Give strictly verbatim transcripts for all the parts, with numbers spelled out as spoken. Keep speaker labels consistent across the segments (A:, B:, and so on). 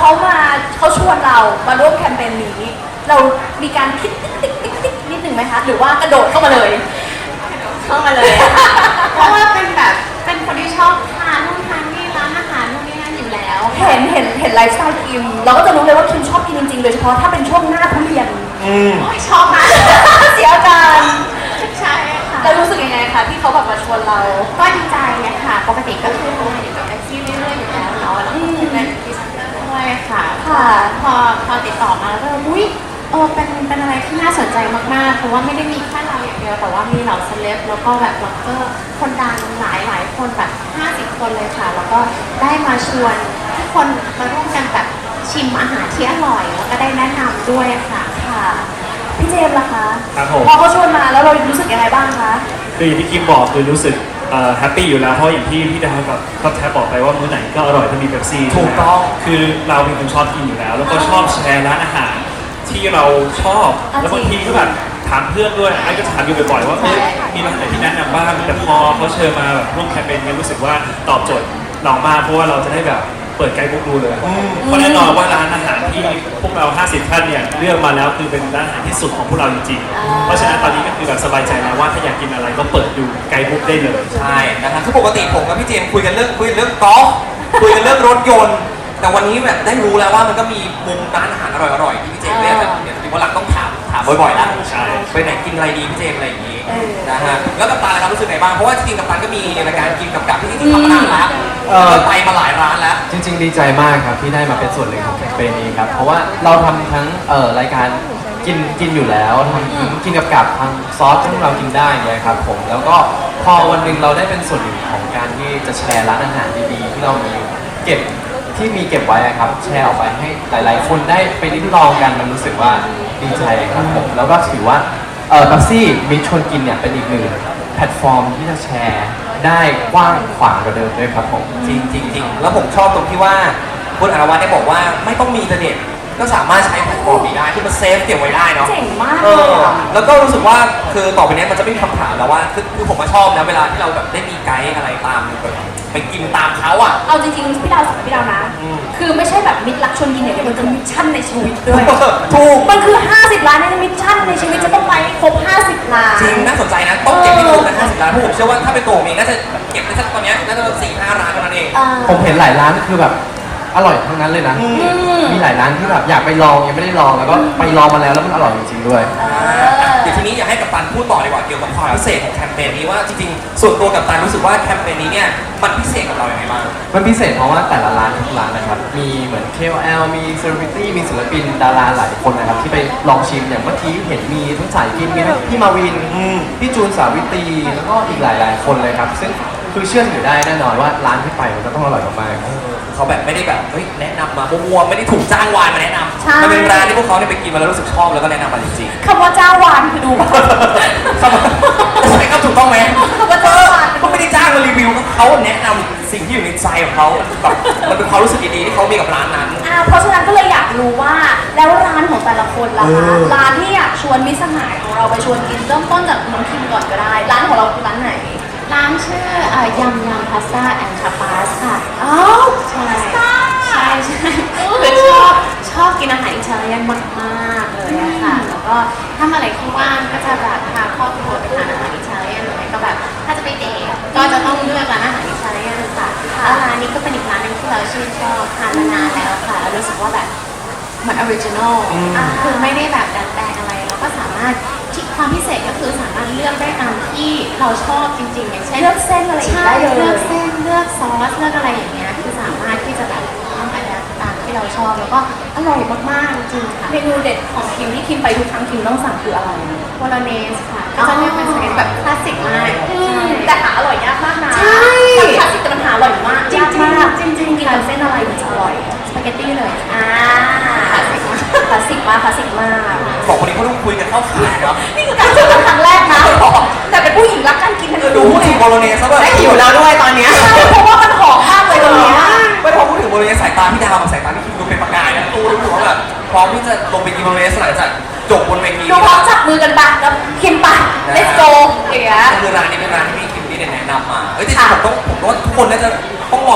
A: เขามาเขาชวนเรามาร่วมแคมเปญนี้เรามีการคิดติ๊กติ๊กติ๊กติ๊กนิดหนึ่งไหมคะหรือว่ากระโดดเข้ามาเลย
B: เข้ามาเลยค่ะเพราะว่าเป็นแบบเป็นคนที่ชอบทานนู่นทานนี่ร้านอาหารนู่นนี่นั่นอยู่แล้ว
A: เห็นเห็นเห็นไลฟ์สไตล์คิมเราก็จะรู้เลยว่าคิมชอบกินจริงๆโดยเฉพาะถ้าเป็นช่วงหน้าทุเรียน
B: ชอบมาก
A: เสียอาการ
B: ใช่ค่ะ
A: แล้วรู้สึกยังไงคะที่เขาแบบมาชวนเรา
B: ก็ดีใจนะคะปกติก็คือทำงานอยู่กับแท็กซี่เรื่อยๆอยู่แล้วเนาะแล้วก็เป็นพรีเซนเตอร์ด้วยค่ะ
A: ค่ะ
B: พอพอติดต่อมาแล้วก็อุ้ยเออเป็นเป็นอะไรที่น่าสนใจมากๆเพราะว่าไม่ได้มีแค่เราอย่างเดียวแต่ว่ามีเหล่าเซเลบแล้วก็แบบบล็อกเกอร์คนดังหลายหลายคนแบบห้าสิบคนเลยค่ะแล้วก็ได้มาชวนทุกคนมาร่วมกันแบบชิมอาหารที่อร่อยแล้วก็ได้แนะนำด้วยค่ะ
A: ค่ะพี่เจมส์ล่ะคะ
C: ครับผม
A: พอเขาชวนมาแล้วเรารู้สึกยังไงบ้างคะ
C: คืออย่างที่คิมบอกคือรู้สึกแฮปปี้อยู่แล้วเพราะอย่างที่พี่ดาวกับก็แทบบอกไปว่ามื้อไหนก็อร่อยถ้ามีเป๊ปซี่
D: ถูกต้อง
C: คือเราเป็นคนชอบกินอยู่แล้วแล้วก็ชอบแชร์ร้านอาหารที่เราชอบแล้วบางทีก็แบบถามเพื่อนด้วยไอ้ก็ถามอยู่บ่อยๆว่าเฮ้ยมีร้านไหนที่แนะนำบ้างแต่พอเขาเชิญมาแบบร่วมแคมเปญนี้รู้สึกว่าตอบโจทย์เรามากเพราะว่าเราจะได้แบบเปิดไกด์บุ๊กดูเลยเพราะแน่นอนว่าร้านอาหารที่พวกเราห้าสิบท่านเนี่ยเลือกมาแล้วคือเป็นร้านอาหารที่สุดของพวกเราจริงๆเพราะฉะนั้นตอนนี้ก็คือแบบสบายใจแล้วว่าถ้าอยากกินอะไรก็เปิดดูไกด์บุ๊กได้เลย
D: ใช่นะครับคือปกติผมกับพี่เจมคุยกันเรื่องคุยเรื่องกอล์ฟคุยกันเรื่องรถยนต์แต่วันนี้แบบได้รู้แล้วว่ามันก็มีมุมร้านอาหารอร่อยๆที่พี่เจมเรียกเดี๋ยววันหลังต้องถามถามบ่อยๆแล้ว
C: ใช่
D: ไปไหนกินอะไรดีพี่เจมอะไรอย่างนี้นะฮะแล้วกัปตันนะครับรู้สึกไงบ้างเพราะว่าจริงๆกัปตันก็มีรายการกินกับกับที่ที่ทำมานานแล้วก็ไปมาหลายร้านแล้ว
E: จริงๆดีใจมากครับที่ได้มาเป็นส่วนหนึ่งของแคมเปญนี้ครับเพราะว่าเราทำทั้งเอ่อรายการกินกินอยู่แล้วทำทั้งกินกับกับทางซอสที่เรากินได้เนี่ยครับผมแล้วก็พอวันหนึ่งเราได้เป็นส่วนหนึ่งของการที่จะแชร์ร้านอาหารดีๆที่เรามีเก็บที่มีเก็บไว้ครับแชร์ออกไปให้หลายๆคนได้ไปลิ้มลองกันมันรู้สึกว่าดีใจครับผมแล้วก็ถือว่าเอ่อบัฟซี่มิชชวนกินเนี่ยเป็นอีกหนึ่งแพลตฟอร์มที่จะแชร์ได้กว้างขวางกว่าเดิมด้วยครับผม
D: จริงจริงจริงแล้วผมชอบตรงที่ว่าคุณอรวัตได้บอกว่าไม่ต้องมีอินเทอร์เน็ตก็สามารถใช้แพลตฟอร์มนี้ได้ที่มันเซฟเก็บไว้ได้เนาะ
A: เจ๋งมาก
D: เออแล้วก็รู้สึกว่าคือต่อไปนี้มันจะไม่มีคำถามแล้วว่าคือคือผมมาชอบนะเวลาที่เราแบบได้มีไกด์อะไรตามแบบไปกินตามเขาอ่ะ
A: เอาจริงๆพี่ดาวสอนพี่ดาวนะคือไม่ใช่แบบมิตรรักชวนกินอย่างเดียวมันจะมิชชั่นในชีวิตด้วย
D: ถูก
A: มันคือห้าสิบล้านในมิชชั่นในชีวิตจะต้องไปครบห้าสิบล้าน
D: จริงน่าสนใจนะต้องเก็บให้ถูกนะห้าสิบล้านเพราะผมเชื่อว่าถ้าเป็นตัวผมเองน่าจะเก็บได้สักตอนนี้น่าจะสี่ห้าร้านเท่านั้นเอง
E: ผมเห็นหลายร้านคือแบบอร่อยทั้งนั้นเลยนะมีหลายร้านที่แบบอยากไปลองยังไม่ได้ลองแล้วก็ไปลองมาแล้วแล้วมันอร่อยจริงๆด้วย
D: เดี๋ยวทีนี้อยากให้กัปตันพูดต่อดีกว่าเกี่ยวกับความพิเศษของแคมเปญนี้ว่าจริงๆส่วนตัวกัปตันรู้สึกว่าแคมเปญนี้เนี่ยมันพิเศษกับเราอย่างไรบ้าง
E: มันพิเศษเพราะว่าแต่ละร้านทุกร้านนะครับมีเหมือน เค โอ แอล มีเซเลบริตี้มีศิลปินดาราหลายคนนะครับที่ไปลองชิมอย่างเมื่อกี้เห็นมีทั้งสายกินมีทั้งพี่มาวินพี่จูนสาวิตรีแล้วก็อีกหลายๆคนเลยครับซึ่งคือเชื่อถือได้แน่นอนว่าร้านที่ไปมันจะต้องอร่อยมาก
D: ๆเขาแบบไม่ได้แบบเฮ้ยแนะนำมามั่วๆไม่ได้ถูกจ้างวานมาแนะนำมันเป็นร้านที่พวกเขาเนี่ยไปกินมาแล้วรู้สึกชอบแล้วก็แนะนำมาจริง
A: ๆคำว่าจ้างวานคือดู
D: ใช่ครับถูกต้องไหม
A: คำว่าจ้างวาน
D: เขาไม่ได้จ้างมารีวิวเขาแนะนำสิ่งที่อยู่ในใจของเขาแบบมันเป็นความรู้สึกดีๆที่เขามีกับร้านนั้น
A: อ่าเพราะฉะนั้นก็เลยอยากรู้ว่าแล้วร้านของแต่ละคนล่ะคะร้านที่อยากชวนมิตรสหายของเราไปชวนกินเริ่มต้นจากน้องคิมก่อนก็ได้ร้านของเราคือร้านไหน
B: ร้านชื่อยำยำพาสต้าแอนด์ทาปาสค่ะ
A: อ้าว
B: ใช่ใช่ใช่คือชอบชอบกินอาหารอิตาเลียนมากๆเลยอะค่ะแล้วก็ถ้าเมื่อไหร่ที่ว่างก็จะแบบพาครอบครัวไปทานอาหารอิตาเลียนหรือไม่ก็แบบถ้าจะไปเดทก็จะต้องเลือกร้านอาหารอิตาเลียนค่ะแล้วร้านนี้ก็เป็นอีกร้านนึงที่เราชื่นชอบทานมานานแล้วค่ะแล้วรู้สึกว่าแบบเหมือนออริจินอลคือไม่ได้แบบดัดแปลงอะไรเราก็สามารถความพิเศษก็คือสามารถเลือกได้ตามที่เราชอบจริงๆอย่างเช่น
A: เลือกเส้นอะไรได้เลย
B: เลือกเส้นเลือกซอสเลือกอะไรอย่างเงี้ยคือสามารถที่จะแบบทำอะไรตามที่เราชอบแล้วก็อร่อยมากๆจริงค่ะ
A: เมนูเด็ดของคิมที่คิมไปทุกครั้งคิมต้องสั่งคืออะไร
B: โบโลเนสค่ะก็จะเรียกเป็นสเต็กแบบคลาสสิกมาก
A: แต่หาอร่อยยากมากนะ
B: ใช่
A: คลาสสิกแต่มันหาอร่อยมาก
B: จริงๆจริงๆ
A: กินกับเส้นอะไรถึงจะอร่อย
B: สปาเกตตี้เลย
A: อ่าคลาสสิกมากคลาสสิกมากคลาสสิกมาก
D: บอกคนนี้เขาต้องคุยกันเข้าขาครับ
A: นี่คือการเจอกันครั้งแรกนะแต่เป็นผู้หญิงรักการกินทั้ง
D: ดูพูดถึงโบโลเนสซะแบบ
B: ได้หิวแล้วด้วยตอนนี้
A: เพราะว่ามันหอมมากเลยตรงนี้
D: ไม่พอพูดถึงโบโลเนสสายตาพี่ดาวกับสายตาพี่คิมดูเป็นประกายนะตู้รู้สึกว่าแบบพร้อมที่จะลงไปกินโบโลเนสหลังจากจบบนเวที
A: ดูพร้อมจับมือกันปะแล้วคิมปะ let's go อย่างเงี้ย
D: คือร้านนี้เป็นร้านที่พี่คิมพี่ได้แนะนำมาเฮ้ยแต่ผมต้องผมว่าทุกคนน่าจะต้องลองอาหารอิตาเลี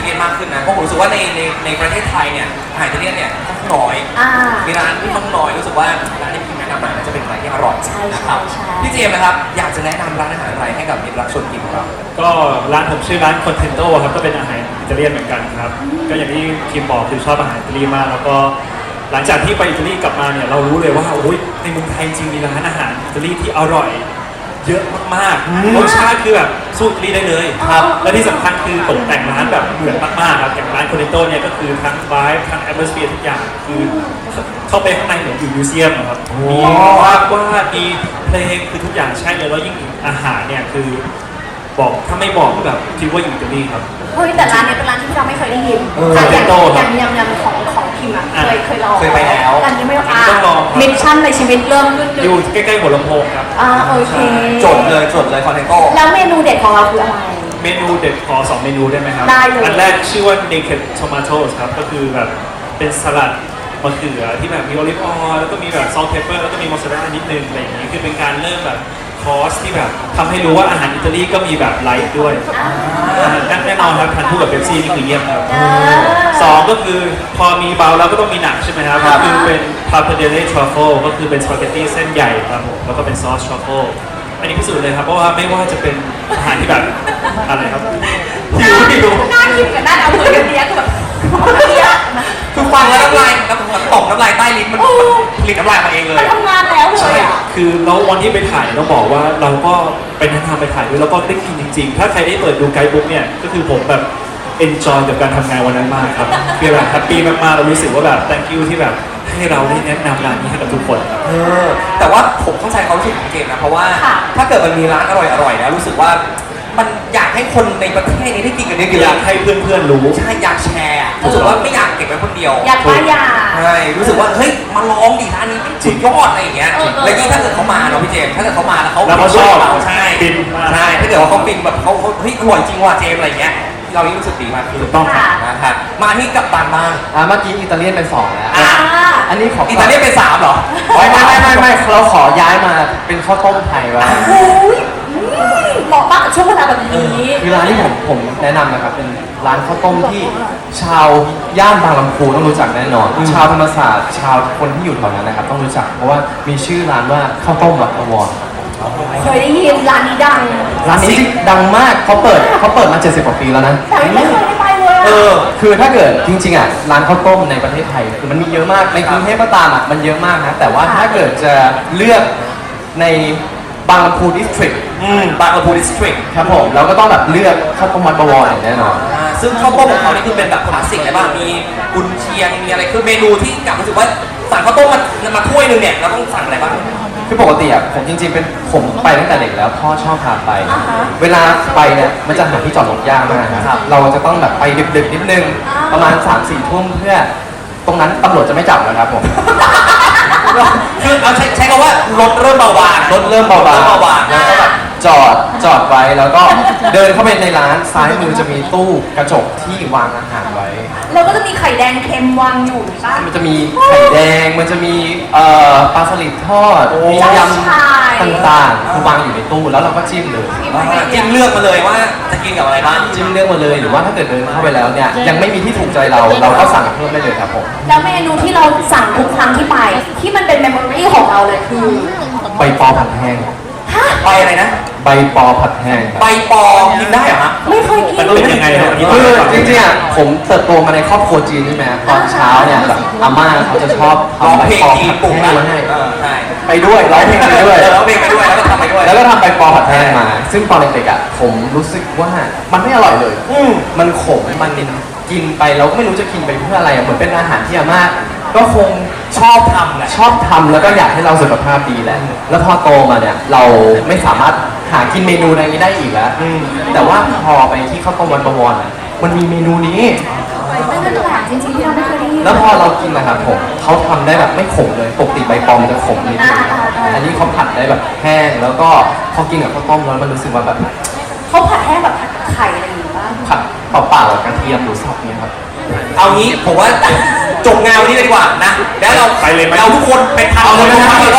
D: ลียนมากขึ้นนะเพราะผมรู้สึกว่าในในในประเทศไทยเนี่ยอาหารอิตาเลียนเนี่ยค่อนข้างน้อย
A: อ่า
D: มีร้านที่ค่อนข้างน้อยรู้สึกว่าร้านที่พี่แนะนำมาน่าจะเป็นร้านที่อร่อย
A: ใช่
D: นะครับ
A: ใช่ใช่
D: พี่เจมส์นะครับอยากจะแนะนำร้านอาหารอะไรให้กับมิตรรักชวนกินของเรา
C: ก็ร้านผมชื่อร้าน Contento ครับก็เป็นอาหารอิตาเลียนเหมือนกันครับก็อย่างที่คิมบอกคือชอบอาหารอิตาลีมากแล้วก็หลังจากที่ไปอิตาลีกลับมาเนี่ยเรารู้เลยว่าโอ้ยในเมืองไทยจริงมีร้านอาหารอิตาลีที่อร่อยเยอะมากๆรสชาติคือแบบสู้อิตาลีได้เลยครับและที่สำคัญคือตกแต่งร้านแบบเหมือนมากๆครับอย่างร้าน Contento เนี่ยก็คือทั้ง vibe ทั้ง atmosphere ทุกอย่างคือเข้าไปข้างในเหมือนอยู่มิวเซียมอะครับมีวาดวาดมีเพลงคือทุกอย่างใช่เลยแล้วยิ่งอาหารเนี่ยคือบอกถ้าไม่บอกก็แบบคิดว่าอยู่อิตาลีครับ
A: เฮ้ยแต่ร้านนี้เป็นร้านที่เราไม่เคยได้ยิน
C: เออ
A: ค่ะอย่าง
C: โต้
A: อ
C: ครั
A: ย่า
C: บ
A: งยำยำของของพิมอะ
C: อ่ะ
A: เคยเคยลอง
D: เคยไปแล้ว
A: แต่อันนี้ไม่อ่า
C: ต้องลองครับ
A: มิชชั่นในชีวิตเริ่มขึ้นหนึ่
C: อยู่
A: ง
C: ใกล้ๆหัวลำโพงครับ
A: อ่าโอเค
D: จดเลยจดเลยคอนเทนโต้
A: แล้วเมนูเด็ดของเราคืออะไร
C: เมนูเด็ดขอสองเมนูได้ไหมครับ
A: ได้เลย
C: อันแรกชื่อว่า naked tomatoes ครับ ก็คือแบบเป็นสลัดมะเขือที่แบบมีโอลิฟออยล์แล้วก็มีแบบซอสเพปเปอร์แล้วก็มีมอสซาเรลล่านิดนึงอะไรอย่างนี้คือเป็นการเริ่มแบบคอร์สที่แบบทำให้รู้ว่าอาหารอิตาลีก็มีแบบไลท์ด้วยอ่าแน่นอนครับทานคู่กับเบปซี่นี่คือเยี่ยมครับ
A: อ่า
C: สองก็คือพอมีเบาแล้วก็ต้องมีหนักใช่ไหมครับ
A: ครั
C: ก็
A: บ
C: คือเป็นพา p เดเล่ทรัฟเฟิลก็คือเป็นสปาเกตตี้เส้นใหญ่ครับผมแล้วก็เป็นซอสทรัฟเฟิลอันนี้พิสูจน์เลยครับเพราะว่าไม่ว่าจะเป็นอาหารที่แบบอะไรครับหิวหิว
A: หน้าคิมกับหน้าดาวเหมือนกันเนี้ยคือแบบเนี้ย
D: คือฟังแล้วน้ำลายน้ำตกน้ำลายใต้ลิ้นมันผลิตน้ำลายมาเองเลย
A: มันทำงานแล้วเลยอ่ะ
C: คือแล้ววันที่ไปถ่ายต้องบอกว่าเราก็ไปแนะนำไปถ่ายด้วยแล้วก็ได้กินจริงๆ ถ้าใครได้เปิดดูไกด์บุ๊กเนี่ยก็คือผมแบบ enjoy กับการทำงานวันนั้นมากครับคือแบบแฮปปี้มากๆเรารู้สึกว่าแบบ thank you ที่แบบให้เราได้แนะนำร้านนี้ให้กับทุกคนครับ
D: เออแต่ว่าผมเข้าใจความรู้สึกของเจมส์นะเพราะว่า
A: ค่ะ
D: ถ้าเกิดมันมีร้านอร่อยๆนะรู้สึกว่ามันอยากให้คนในประเทศนี้ได้กินกันเย
C: อยา
D: อะ
C: กให้เพื่อนๆรู้
D: ๆใช่อยากแชร์อะรู้สึกว่าไม่อยากเก็บไว้คนเดียว
A: อยากป้ายยา
D: ใช่รู้สึกว่าเฮ้ยมาลองดิร้านนี้สุดยอดอะไรอย่างเงี้ย
A: เออเออ
D: แล้วยิ่งถ้าเกิดเขามาเนาะพี่เจมส์ถ้าเกิดเขามาแล้วเขา
C: แล้วเขาชอบ
D: เราใช่
C: ฟินมาก
D: ใช่ถ้าเกิดว่าเขาฟินแบบเขาเขาเฮ้ยอร่อยจริงว่ะเจมส์อะไรอย่างเงี้ยเรายิ่งรู้สึกดีมากขึ้น
C: ถูกต้องครับ
D: นะครับมาที่กัปตันบ้าง
E: อ่าเมื่อกี้อิตาเลียนเป็นสองแล้ว
D: อ่ะ
E: อันนี้ขอ
D: อิตาเลียนเป็นสามเหรอ
E: ไม่ไม่ไม่ไม่ไม่เราขอย้ายมาเป็นข้าวต้มไทยบ้าง
A: โอ้ยอืมเหมาะมากกับช่วงเวลาแบบนี้
E: คือร้านที่ผมผมแนะนำนะครับเป็นร้านข้าวต้มที่ชาวย่านบางลำพูต้องรู้จักแน่นอน ชาวธรรมศาสตร์ชาวคนที่อยู่แถวนั้นนะครับต้องรู้จักเพราะว่ามีชื่อร้านว่าข้าวต้มวัดอวร
A: เคยได้ยินร้านนี้ดัง
E: ร้านนี้จริงดังมากเขาเปิดเขาเปิดมาเจ็ดสิบกว่าปีแล้วนะ
A: แต่ไม่เคยได้ไปเลย
D: เอ
A: อะ
D: อ
E: คือถ้าเกิดจริงๆอ่ะร้านข้าวต้มในประเทศไทยคือมันมีเยอะมากในกรุงเทพก็ตามอ่ะมันเยอะมากนะแต่ว่าถ้าเกิดจะเลือกในบางลำพูดิสทริก
D: อืมบางกะพูดิสทริก
E: ครับผมเราก็ต้องแบบเลือกข้าวต้มมัดบวรอย่างแน่นอน
D: อ่าซึ่งข้าวต้มของเขานี่คือเป็นแบบคลาสสิกเลยป่ะมีกุนเชียงมีอะไรคือเมนูที่กลับรู้สึกว่าสั่งข้าวต้มมามาถ้วยหนึงเนี่ยเราต้องสั่งอะไรบ้าง
E: คือปกติอ่ะผมจริงๆเป็นผมไปตั้งแต่เด็กแล้วพ่อชอบพาไป
A: อ่าฮะ
E: เวลาไปเนี่ยมันจะหาที่จอดรถยากมากนะครับเราจะต้องแบบไปดึกๆนิดนึง
A: อ่า
E: ประมาณ3ามสี่ทุ่มเพื่อตรงนั้นตำรวจจะไม่จับนะครับผม
D: คือเอาใช้ใช้คำว่ารถเริ่มเบาบาง
E: รถเริ่มเบาบาง
D: เริ่มเบาบาง
E: แล้วก็แบบจอดจอดไว้แล้วก็เดินเข้าไปในร้านซ้ายมือจะมีตู้กระจกที่วางอาหารไว้
A: แล้วก็จะมีไข่แดงเค็มวางอยู่ใช่ปะ
E: มันจะมีไข่แดง มันจะมีเอ่อปลาสลิดทอด มียำต่างๆคือวางอยู่ในตู้แล้วเราก็จิ้มเลย
D: อ่าจิ้มเลือกมาเลยว่าจะกินกับอะไรบ้าง
E: จิ้มเลือกมาเลยหรือว่าถ้าเกิดเดินเข้าไปแล้วเนี่ยยังไม่มีที่ถูกใจเราเราก็สั่งเพิ่มได้เลยครับผม
A: แล้วเมนูที่เราสั่งทุกครั้งที่ไป ที่มันเป็นเมมโมรี่ของเราเลยคือ
E: ใบปอผัดแห้ง
D: ใบอะไรนะ
E: ใบปอผัดแห้งครับ
D: ใบปอกินได้เหรอฮะ
A: ไม่เคยกิน
C: มันเป็นยังไงครับอันนี้
E: คือจริงๆอ่ะผมเติบโตมาในครอบครัวจีนใช่ไหมตอนเช้าเนี่ยแบบอาม่าเขาจะชอบ
D: ร้อง
E: ทำใบ
D: เพลง
E: ปอ
D: จีน
E: ผัด
D: ปลุก
E: แห้
D: นะ
E: งมาให้
D: เออใช่
E: ไปด้วยร้องเพลงไปด้วย
D: เออร้องเพลงไปด้วยแล้วก็ทำไปด้วย
E: แล้วก็ทำใบปอผัดแห้งมา ซึ่งตอนเด็กๆอ่ะผมรู้สึกว่ามันไม่อร่อยเลย
D: อืม
E: มันขมมันกินไปเราก็ไม่รู้จะกินไปเพื่ออะไรอ่ะเหมือนเป็นอาหารที่อาม่าก็คง
D: ชอบทำแหละ
E: ชอบทำแล้วก็อยากให้เราสุขภาพดีแหละ แล้วพอโตมาเนี่ยเราไม่สามารถหากินเมนูอะไรนี้ได้อีกแล้ว
D: อืม
E: แต่ว่าพอไปที่ข้าวต้มวันประวรอ่ะมันมีเมนูนี้
A: ไม่นั่นแปลกจริงๆที่เราไม่เคยได้ยิน
E: แล้วพอเรากินนะครับผมเขาทำได้แบบไม่ขมเลยปกติใบปอมมันจะขมนิดนึง
A: อ่าอ่าอ่า
E: อันนี้เขาผัดได้แบบแห้งแล้วก็พอกินกับข้าวต้มแล้วมันรู้สึกว่าแบบ
A: เขาผัดแห้งแบบผัดไข่อะไรอย่างงี้ป่ะ
E: ผัดเปล่าๆกับกระเทียมหรือสับเนี่ยครับ
D: เอางี้ผมว่าจบงานวันนี้เลยดีกว่านะแล้วเรา
C: ไปเลยไหม
D: เราทุกคนเป็นพันคนทุกพันแล้วก็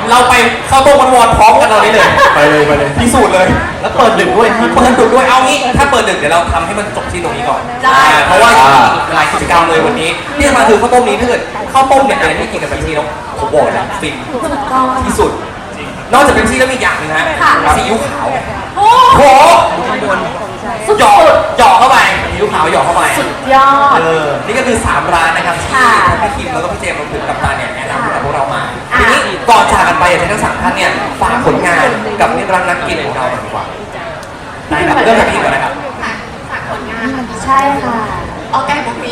D: เราไปเข้าต้มมันวอนพร้อมกันตอนนี้เลย
C: ไปเลยไปเลย
D: พิสูจน์เลย
E: แล้วเปิดดึกด้วย
D: เปิดดึกด้วยเอางี้ถ้าเปิดดึกเดี๋ยวเราทำให้มันจบที่ตรงนี้ก่อน
A: ได้
D: อ่าเพราะว่าหลายกิจกรรมเลยวันนี้ที่จะมาคือข้าวต้มนี้ถ้าเกิดข้าวต้มเนี่ยอะไรที่กินกับเบปซี่แล้วผมบอกเลยฟินที่สุด นอกจากเบปซี่แล้วมีอีกอย่างหนึงฮะ
A: ค่ะ
D: ซีอิ๊วขาว
A: โอ้
D: โอ้โห
A: สุด
D: หยอกหยอกเข้าไปซีอิ๊วขาวหยอกเข้าไป
A: ๆยอด
D: เออนี่ก็คือสามร้านนะครับที่
A: ค่ะ
D: พี่คิมแล้วก็พี่เจมส์รวมถึงกัปตันเนี่ยแนะนำให้กับพวกเรามา
A: อ่ะ
D: ทีนี้ก่อนจากกันไปอยากให้ทั้งสามท่านเนี่ยฝากผลงานกับนิรันดร์นักกินของเราหน่อยดีกว่าได้ครับเริ่มจากพี่ก่อนนะครับ
B: ค่ะฝากผลงานค่ะ
A: ใช่ค่ะ
B: ออกใกล้บุกนี้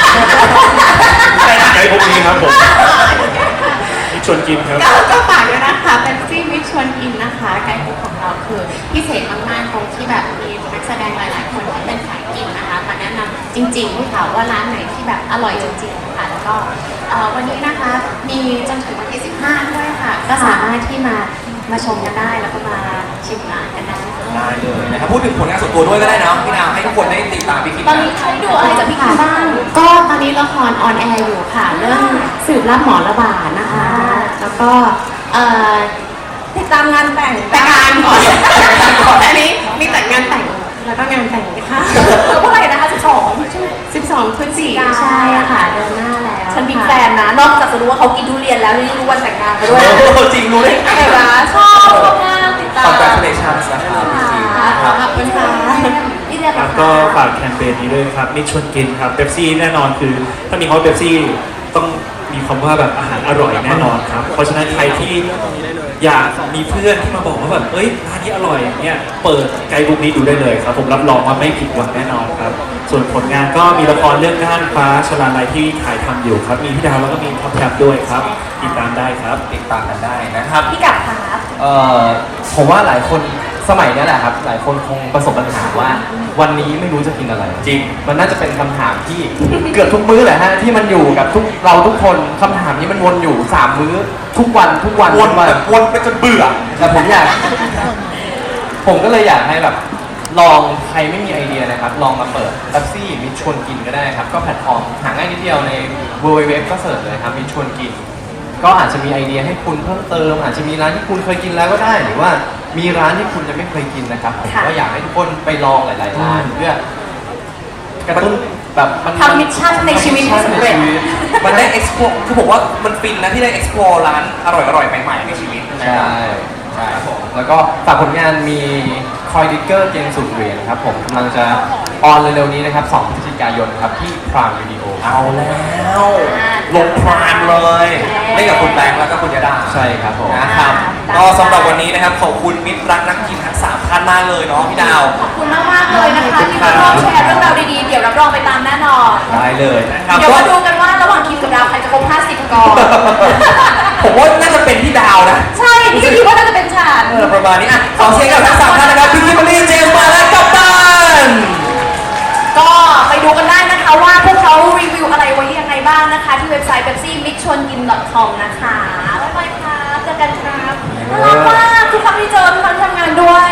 C: ไกด์พวกนี้ครับผมนี่ชวนกินครับ
B: ก็ก็ฝากด้วยนะคะเป็นซี่มิชชวนกินนะคะไกด์บุ๊กของเราคือพิเศษมากๆตรงที่แบบมีนักแสดงหลายๆคนที่เป็นสายกินนะคะมาแนะนำจริงๆค่ะว่าร้านไหนที่แบบอร่อยจริงๆค่ะแล้วก็เอ่อวันนี้นะคะมีจนถึงวันที่สิบห้าด้วยค่ะ ก็สามารถที่มามาชมกันได้แล้วก็มาชิมร้านกันได้
D: ได้เลยนะครับพูดถึงผลงานส่วนตัวด้วยก็ได้เนาะพี่ดาวให้ทุกคนได้ติดตามพี่คิม
A: ตอนนี้ใครดูอะไรจากพี่คิมบ้าง
B: ก็ตอนนี้ละครออนแอร์อยู่ค่ะ เรื่องสืบรับหมอระบาดนะคะ แล้วก็เอ่อ
A: ติดตามงานแต่ง
B: แต่งงานก่อนอันนี้มีแต่งงานแต่งแล้วก็งานแต่งค่ะ
A: เมื่อไหร่นะคะสิบสอง
B: สิบสองพฤศจิกายนใช่ค่ะเดือนหน้าแล้ว
A: ฉันบิ๊กแฟนนะ นอกจากจะรู้ว่าเขากินทุเรียนแล้วยังรู้วันแต่งงานไปด้วย
D: โอ้โหจริงรู้ได้ไง
A: เห็นไหมชอบชอบมากติดตาม
D: Congratulations นะครับพี่คิมนะครับ
B: ขอบคุณค่ะ
A: พี่เรียน
C: ค
A: แบ
C: รั
A: บบ
C: ก็ฝากแคมเปญนี้ด้วยครับมิชชวนกินครับเบปซี่แน่นอนคือ ถ้ามีคำว่าเบปซี่ต้องมีคำว่าแบบอาหารอร่อยแน่นอนครับ เพราะฉะนั้นใครที่อยากมีเพื่อนที่มาบอกว่าแบบเอ้ยร้านนี้อร่อยเนี่ยเปิดไกด์บุ๊กนี้ดูได้เลยครับ ผมรับรองว่าไม่ผิดหวังแน่นอนครับ ส่วนผลงานก็มีละครเรื่องน่านฟ้าชลาลัยที่ถ่ายทำอยู่ครับ มีพี่ดาวแล้วก็มีท็อปแท็บด้วยครับติดตามได้ครับ
D: ติดตามกันได้นะครับ
A: พี่กับครับ
E: เอ่อผมว่าหลายคนสมัยเนี้ยแหละครับ หลายคนคงประสบปัญหาว่า วันนี้ไม่รู้จะกินอะไร
D: จริง
E: มันน่าจะเป็นคำถามที่ เกือบทุกมื้อแหละฮะที่มันอยู่กับทุกเราทุกคนคำถามนี้มันวนอยู่สามมื้อทุกวันทุกวัน
D: วน
E: ทุกวัน
D: แบบวนไปจนเบื่อ
E: แต่ผมอยาก ผมก็เลยอยากให้แบบลองใครไม่มีไอเดียนะครับ ลองมาเปิดแท็ซี่มิชชวนกินก็ได้ครับ ก็แพลตฟอร์มหาง่ายนิดเดียวใน ดับเบิลยู ดับเบิลยู ดับเบิลยู ก็เสิร์ชเลยครับมิชชวนกิน ก็อาจจะมีไอเดียให้คุณเพิ่มเติม อาจจะมีร้านที่คุณเคยกินแล้วก็ได้ หรือว่ามีร้านที่คุณยังไม่เคยกินนะครับผม
A: ค่ะ
E: ก็อยากให้ทุกคนไปลองหลายๆร้านเพื่อกระตุ้นแบบมัน
A: ทำมิชชั่นในชีวิตให้สำเร็จ
E: ในชีวิต
D: มันได้ explore คือผมว่ามันฟินนะที่ได้ explore ร้านอร่อยๆ ใหม่ๆ ในชีวิตนะ
E: ใช่
D: ใช่ครับผม
E: แล้วก็ฝากผลงานมีคอยดิกเกอร์เกมสุดเหรียญครับผมกำลังจะออนเร็วๆนี้นะครับสองพฤศจิกายนครับที่พรามวิดีโอ
D: เอาแล้วลงพรานเลยเล่นกับคุณแบงค์แล้วก็คุณยดา
E: ใช่ครับผม
D: นะครับ ก็สำหรับวันนี้นะครับขอบคุณมิตรรักนักกินทั้งสามท่านมากเลยเนาะพี่ดาว
A: ขอบคุณมากมากๆเลยนะคะที่มาร่วมแชร์เรื่องราวดีๆ เดี๋ยวรับรองไปตามแน่นอน
E: ได้เลยนะครับ
A: เดี๋ยวมาดูกันว่าระหว่างคิมกับดาวใครจะครบห้าสิบก่อน
D: ผมว่าน่าจะเป็นพี่ดาวนะ
A: ใช่นี่ก็คิดว่าน่าจะเป็นฉัน
D: เออประมาณนี้อ่ะขอเสียงกับทั้งสามท่านนะครับพี่คิมเบอรี่เจมส์มาและกัปตัน
A: ก็ไปดูกันได้นะคะว่าพวกเขารีวิวอะไรไว้ยังไงบ้างนะคะ ที่เว็บไซต์ เบปซี่มิชชวนกิน ดอท คอม นะคะบ๊ายบายครับเจอกันครับน่ารักมากทุกครั้งที่เจอทุกครั้งที่ทำงานด้วย